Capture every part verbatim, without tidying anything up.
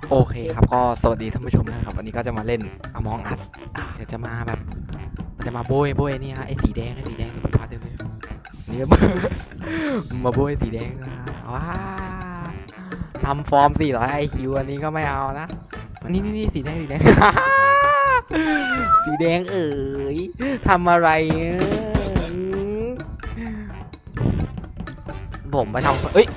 โอเคครับก็สวัสดีท่านผู้ชมนะครับวันนี้ก็จะมาเล่น Among Us อ่ะเดี๋ยวจะมาแบบจะมาโบยโบยนี่ฮะไอ้สีแดงไอ้สีแดงที่ผมพาเดินไปนี่ มาโบยสีแดงนะว้าทำฟอร์มสี่ร้อยไอคิวอันนี้ก็ไม่เอานะอันนี้นี่นี่สีแดงสีแดง สีแดงเอ๋ยทำอะไรผมไปทำเอ้ย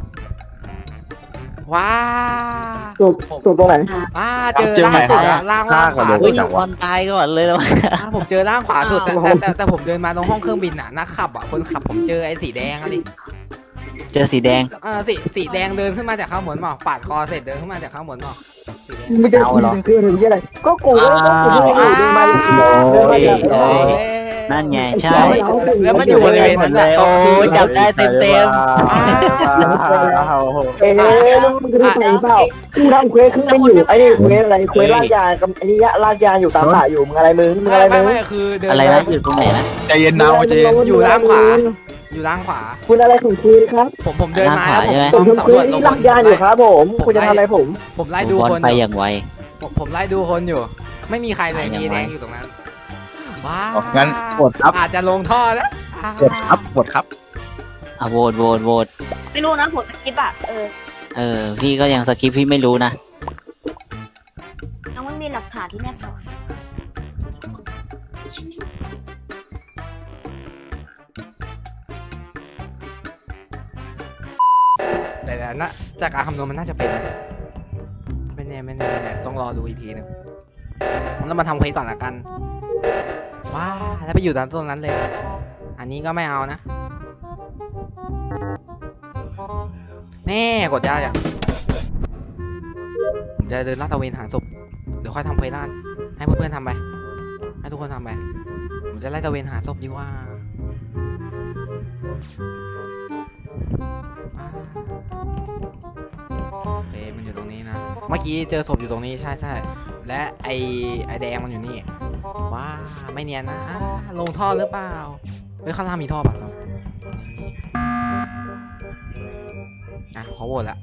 ว้าตัวตัวตรงไหนว้าเจอล่างสุดอะล่างล่างขวาเฮ้สุยดอะวันตายก่อนเลยแล้วอ่าผมเจอล่างขวาสุดแต่แต่แต่แต่ผมเดินมาตรงห้องเครื่องบินน่ะนักขับอ่ะคนขับผมเจอไอ้สีแดงอะดิเจอสีแดงเออสีสีแดงเดินขึ้นมาจากข้างบนหมอกปาดคอเสร็จเดินขึ้นมาจากข้างบนหมอกสีแดงไม่ใช่คือคือถึงที่อะไรก็กูก็กูไม่ได้เดินมาเดินมาจากโอ้ยนั่นไงใช่แล้วมันอยู่บริเวณนั้นแหละโอ้ยจับได้เต็มเต็มเอ๊ะแล้วมึงจะไปเปล่ากูทำเควสคือมันอยู่ไอ้นี่เควสอะไรเควสลากยากับไอ้นี่ลากยาอยู่ตามป่าอยู่มึงอะไรมึงมึงอะไรไม่มึงไม่คือเดินอะไรนะอยู่ตรงไหนนะใจเย็นนะใจเย็นอยู่ล่างขวาอยู่ล่างขวาคุณอะไรของคุณครับผมผมเดินมาแล้วผมผต้มองทำสำเควรวสจลนี่งลากยาอยู่ครับผมคุณจะทำอะไรผมผมไล่ดูบอลคนไปออย่ ย่างไวผมผมไล่ดูคนอยู่ ไม่มีใครเลยไปยังมีไงแดงอยู่ตรงนั้นว้างั้นกดครับอาจจะลงท่อนะกดครับกดครับอ่ะโหวตโหวตโหวตไม่รู้นะผมสกิปอะเออเออพี่ก็ยังสคริปต์พี่ไม่รู้นะยังไม่มีหลักฐานที่แน่ชัดแต่แต่นะจากการคำนวณมันน่าจะเป็นไม่แน่ไม่แน่ไม่แน่ต้องรอดูอีกทีหนึงเรามาทำเควสก่อนละกันว้าแล้วไปอยู่ตรงนั้นเลย อันนี้ก็ไม่เอานะแน่กดยากอ่ะผมจะเดินลาดตระเวนหาศพเดี๋ยวค่อยทำเควสด้านให้เพื่อนๆทำไปให้ทุกคนทำไปผมจะไล่ตระเวนหาศพดีกว่าว้า โอเคมันอยู่ตรงนี้นะ เมื่อกี้เจอศพอยู่ตรงนี้ใช่ใช่และไอไอแดงมันอยู่นี่ ว้าไม่เนียนนะอ่าลงท่อหรือเปล่าเฮ้ยข้างล่างมีท่อป่ะครับอ่ะขอโหวตละ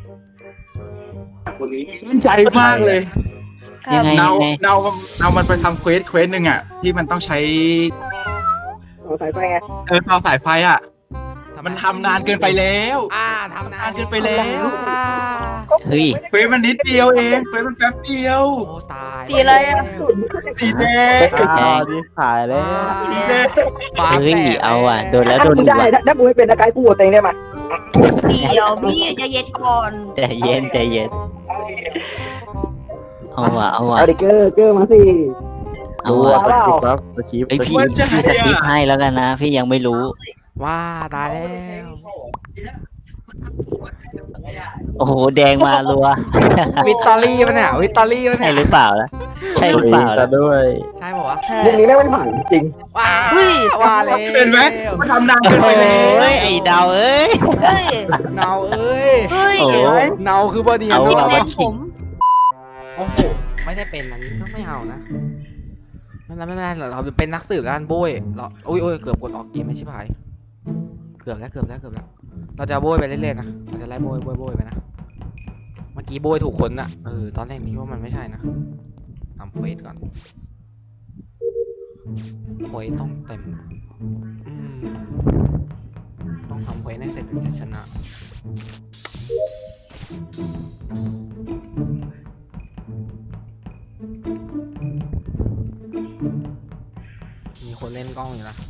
มั่นใจมากเลยยังไงเนายังไงเนาเนามันไปทำเควสเควสหนึ่งอ่ะที่มันต้องใช้เอาสายไฟไงเออต่อสายไฟอ่ะมันทำนานเกินไปแล้วอ่าทำนานนานเกินไปแล้วอ่าเฮ้ยเควสมันนิดเดียวเองเควสมันแป๊บเดียวโอ้ตายสีเลยอะสีแดงแดงสีแดงฟ้าเฮ้ยแตกเอาอ่ะโดนแล้วถ้าโดนมึงอีกได้ว่ะถ้ามึงไม่เป็นนักไกด์กูโหวตเองได้ไหมเดี๋ยวพี่จะเย็นก่อนใจเย็นใจเย็นเอาว่ะเอาว่ะเอาดิเกอร์เกอร์มาสิเอาว่ะเปล่าไอพี่พี่สคริปต์ให้แล้วกันนะ พี่ยังไม่รู้ว้าตายแล้วโอ้โหแดงมารัววิตตอรี่มันเนี่ยวิตตอรี่มันใช่เนี่ยหรือเปล่าล่ะใช่หรือเปล่าล่ะใช่บอกว่าวมุมนี้ไม่งไม่ผ่านจริงะว้าว่าเลยเห็นไหมมันทำนานเกินไปแล้โอ้วยไอ้ดาวเอ้ยเฮ้ยเนาเอ้ยเฮ้ยโอ้โหเนาคือบอดี้เอาจิบว่ะเม็ดผมโอ้โหไม่ได้เป็นอันนี้ก็ไม่เอานะไม่เป็นไรไม่เป็นไรเราเป็นนักสืบแล้วกันโบ้ยเราอุ้ยอุ้ยเกือบกดออกเกมไม่ใช่พายเกือบแล้วเกือบแล้วเกือบแล้วเราจะโบ้ยไปเรื่อยๆนะเราจะไล่โบ้ยโบ้ยโบ้ยไปนะเมื่อกี้โบ้ยถูกคนนะเออตอนแรกนี้ว่ามันไม่ใช่นะทำเควสก่อนเควสต้องเต็มอืมต้องทำเควสให้เสร็จถึงจะชนะมีคนเล่นกล้องอยู่นะ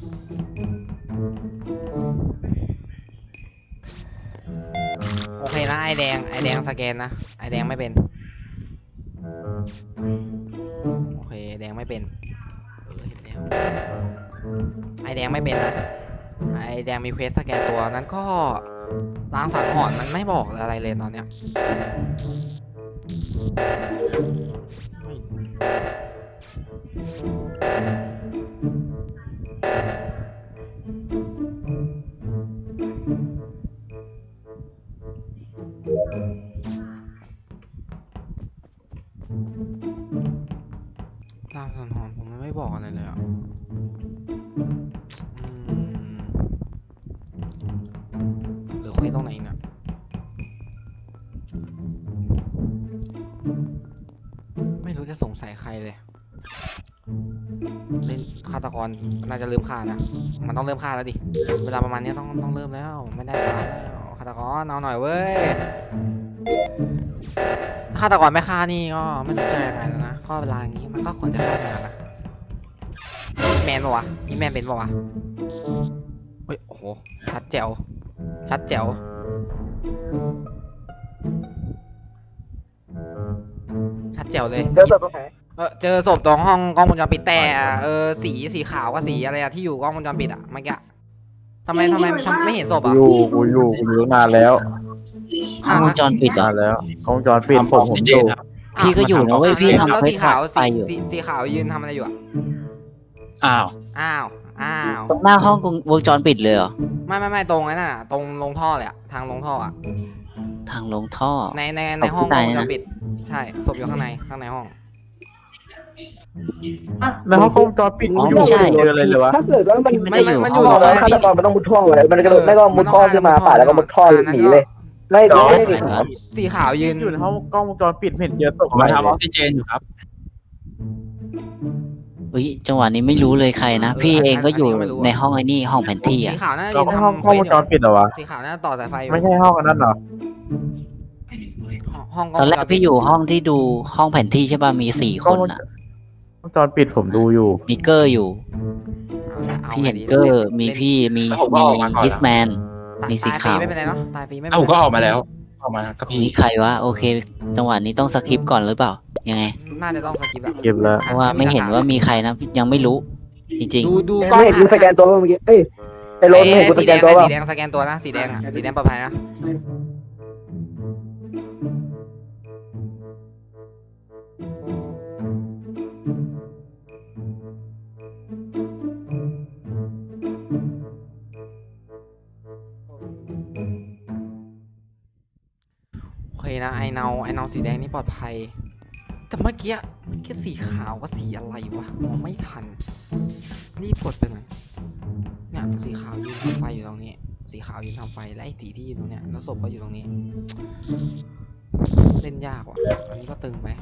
โอเคนะไอแดงไอแดงสแกนนะไอแดงไม่เป็นโอเคแดงไม่เป็นเออเห็นแล้วไอแดงไม่เป็นนะไอแดงมีเควสสแกนตัวนั้นก็ล้างสังหรณ์มันไม่บอกอะไรเลยตอนเนี้ยล้างสังหรณ์ผมไม่บอกอะไรเลยอ่ะอืมเหลือเควสตรงไหนเนี่ยได้สงสัยใครเลยเล่นฆาตกรน่าจะเริ่มฆ่านะมันต้องเริ่มฆ่าแล้วดิเวลาประมาณนี้ต้องต้องเริ่มแล้วไม่ได้แล้วฆาตกรเอาหน่อยเว้ยฆาตกรไม่ฆ่านี่ก็ไม่รู้จะยังไงแล้วนะก็เวลาอย่างนี้มันก็ควรจะฆ่ากันนะแมนปะวะนี่แมนเป็นปะวะเฮ้ยโอ้โหชัดแจ๋วชัดแจ๋วชัดแจ๋วเลยเจอศพตรงไหนเออเจอศพตรงห้องกล้องวงจรปิดแต่เออสีสีขาวกับสีอะไรอะที่อยู่กล้องวงจรปิดอะเมื่อกี้ทำไมทำไมทำไม่เห็นศพกูอะอยู่กูอยู่กูอยู่ตั้งนานแล้วห้องวงจรปิดเหรนาอนแล้วกล้องวงจรปิดทำผอมอกผมซิอเจยู่นครับพี่ก็อยู่นะเว้ยพี่แล้วทำแล้วเควสีสขาวไปสีอยู่สีสีขาวยืนทำอะไรอยู่อะอ้าวอ้าวอ้าวตรงหน้าห้องวงจรปิดเลยเหรอไม่ไม่ไม่ตรงนั้นน่ะตรงลงท่อเลยอะทางลงท่ออะทางลงท่อในในศพในห้องที่กไหนล้องวงจนะรปิดใช่ศพอยู่ข้างในข้างในห้องแล้วห้องกล้องวงจรปิดอ๋ออยู่ไม่ใช่เจออะไรเลยวะถ้าเกิดว่ามันไม่ได้อยู่มันห้อองยู่วงจรฆาปิตดกรมันต้องมุดท่อเลยมันกระโดดไม่ก็มุดท่อขึ้นมาป่าแล้วก็มุดท่อหนีเลยไม่ไม่ได้หนีขาวสีขาวยืนอยู่ในห้องกล้องวงจรปิดไม่เห็นเจอศพผมอะไรมาเลทำออย กซิเจนอยู่ครับอุ้ยจังหวะนี้ไม่รู้เลยใครนะ พี่เองก็อยู่ในห้องไอ้นี่ห้องแผนที่สีอ่ะขาวน่าจะเรายืนไม่ห้องทำกล้องวงจรปิดเหรอวะสีขาวน่าจะต่อสายไฟอยู่ไม่ใช่ห้องอันนั้นเหรอห้องกล้ตออง นวงแรจกรปิพี่ดอยู่ห้องที่ดูห้องแผนที่ใช่ป่ะมีสี่คนอ่ะวงจรปิดผมดูอยู่มีเกอร์อยู่เอาพี่ไงเห็นดีเกอร์เล่นมีพี่มีแล้วผมก็มีออกมาก่อนฮิสแมนตายมีสีตายฟรีขาวไม่เป็นไรเนาะตายฟรีไม่เป็ถ้าน ผมไรก็ออกมาแล้วออกมากับพี่นี่ใครวะโอเค จังหวะนี้ต้องสคิปก่อนหรือเปล่ายังไงน่าจะต้องสกิปแล้วเก็บแล้วเพราะว่าไม่เห็นว่ามีใครนะยังไม่รู้ จริงดูดูกล้องไม่เห็นกูสแกนตัวเมื่อกี้เอ้ยไอ้โรนไม่เห็นกูสสีแกแดนงตัวไอ้ป่ะสีแดงสแกนตัวนะสีแดงอะสีแดงปลอดภัยนะ โอเคนะไอเนาไอเนาสีแดงนี่ปลอดภัยแต่เมื่อกี้เมื่อกี้สีขาวกับสีอะไรวะมองไม่ทันรีบกดไปหน่อยเนี่ยสีขาวยืนทำไฟอยู่ตรงนี้ สีขาวยืนทำไฟและไอสีที่ยืนตรงเนี้ยแล้วศพก็อยู่ตรงนี้ เล่นยากว่ะอันนี้ก็ตึงไป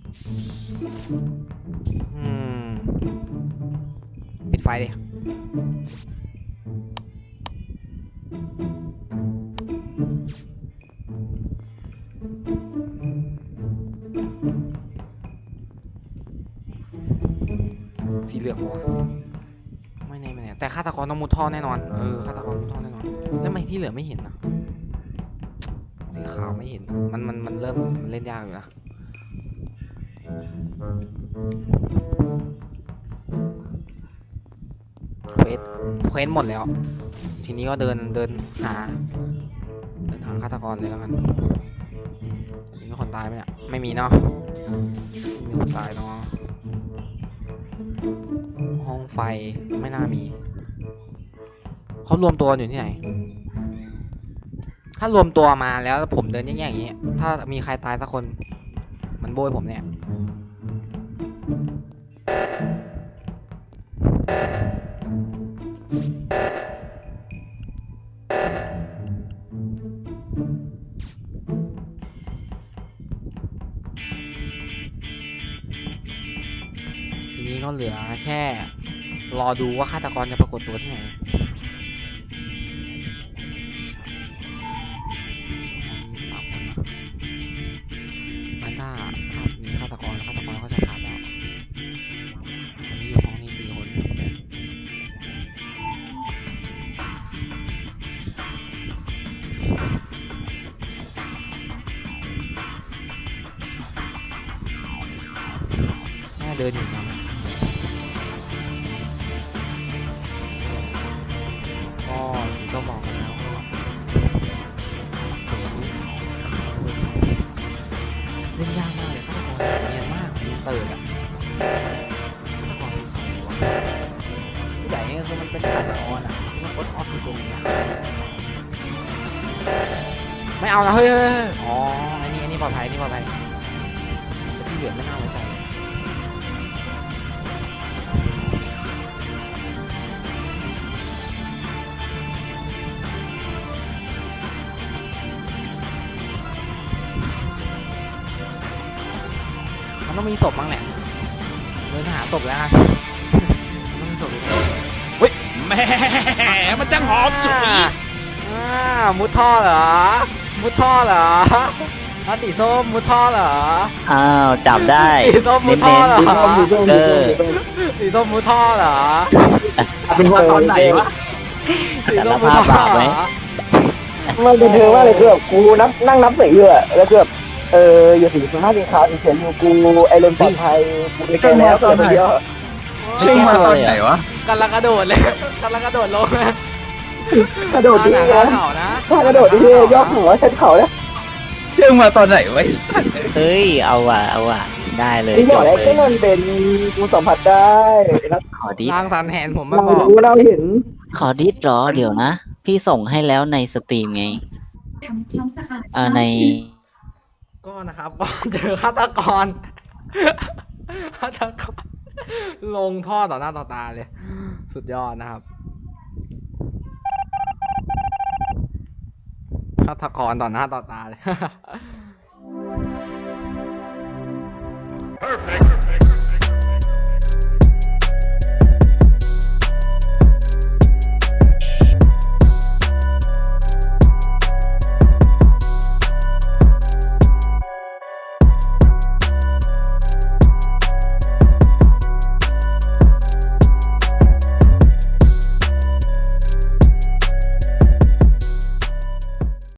อืมปิดไฟดิสีเหลืองวะไม่แน่ไม่แน่แต่ฆาตกรต้องมุดท่อแน่นอนเออฆาตกรมุดท่อแน่นอนแล้วทำไมที่เหลือไม่เห็นนะสีขาวไม่เห็นมันมันมันเริ่มมันเล่นยากอยู่นะเควสเควสหมดแล้ว ทีนี้ก็เดินเดินหาเดินหาฆาตกรเลยแล้วกันมีคนตายไหมเนี่ยไม่มีเนาะไม่มีคนตายเนาะห้องไฟไม่น่ามีเขารวมตัวอยู่ที่ไหน ถ้ารวมตัวมาแล้วผมเดินแย่ๆอย่างนี้ ถ้ามีใครตายสักคน มันโบยผมเนี่ยทีนี้ก็เหลือแค่ รอดูว่าฆาตกรจะปรากฏตัวที่ไหน สามคนนะมันถ้าถ้ามีฆาตกรฆาตกรก็จะผ่านแล้ววันนี้อยู่ห้องนี้สี่คนแม่เดินอยู่นะก็ก็บอกกันแล้วว่าเล่นยากมากเลยฆาตกรเนียนมากมีเปิดอะฆาตกรคือใครวะผู้ใหญ่เนี่ยคือมันเป็นฆาตกรอะที่มันกดออกซิเจนนะไม่เอานะเฮ้ยเฮ้ยเฮ้ยอ๋ออันนี้อันนี้ปลอดภัยอันนี้ปลอดภัยแต่ที่เหลือไม่น่าไว้ใจมันต้องมีศพบ้างแหละเดินหาศพแล้วกันมันมีศพอยู่แหมมันจังหอมฉุยอ่ามุดท่อเหรอ มุดท่อเหรอเอาสีส้มมุดท่อเหรออ้าวจับได้สีส้มมุเน้ดท่อน เหรอสีส้มสีส้มสีส้มสีส้มสีส้มมุดท่อเหรอเป็นว่าตอนไหนวะสีส้มมุดท่อสารภาพบาปไหมมันเป็นเธอว่าเลยคือแบบกูนับนั่งนับสีอยู่อะแล้วคือแบบเอออยู่สีฟ้าสีขาวสีเขียวอยู่กูไอเลนปลอดภัยกูไปแก้แล้วตัวเดียวชึ่งมาตอนไหนวะกำลังกระโดดเลยกำลังกระโดดลงนะกระโดดดีหนะน้าเขานะถ้ากระโดดดีย่อหัวเช็ดเข่าแล้วชึ่งมาตอนไหนวะไอ้สัสเฮ้ยเอาว่ะเอาว่ะได้เลยที่บจอกบแล้วเลก็ยมันเป็นกูสัมผัสได้แล้วขอดิสร่างสันแหนผมมาเราบอกรู้เราเห็นขอดิสเหรอเดี๋ยวนะ พี่ส่งให้แล้วในสตรีมไงอ่าในก็นะครับก็เจอฆาตกรฆาตกรลงท่อต่อหน้าต่อตาเลย สุดยอดนะครับฆาตกรต่อหน้าต่อตาเลย Perfect.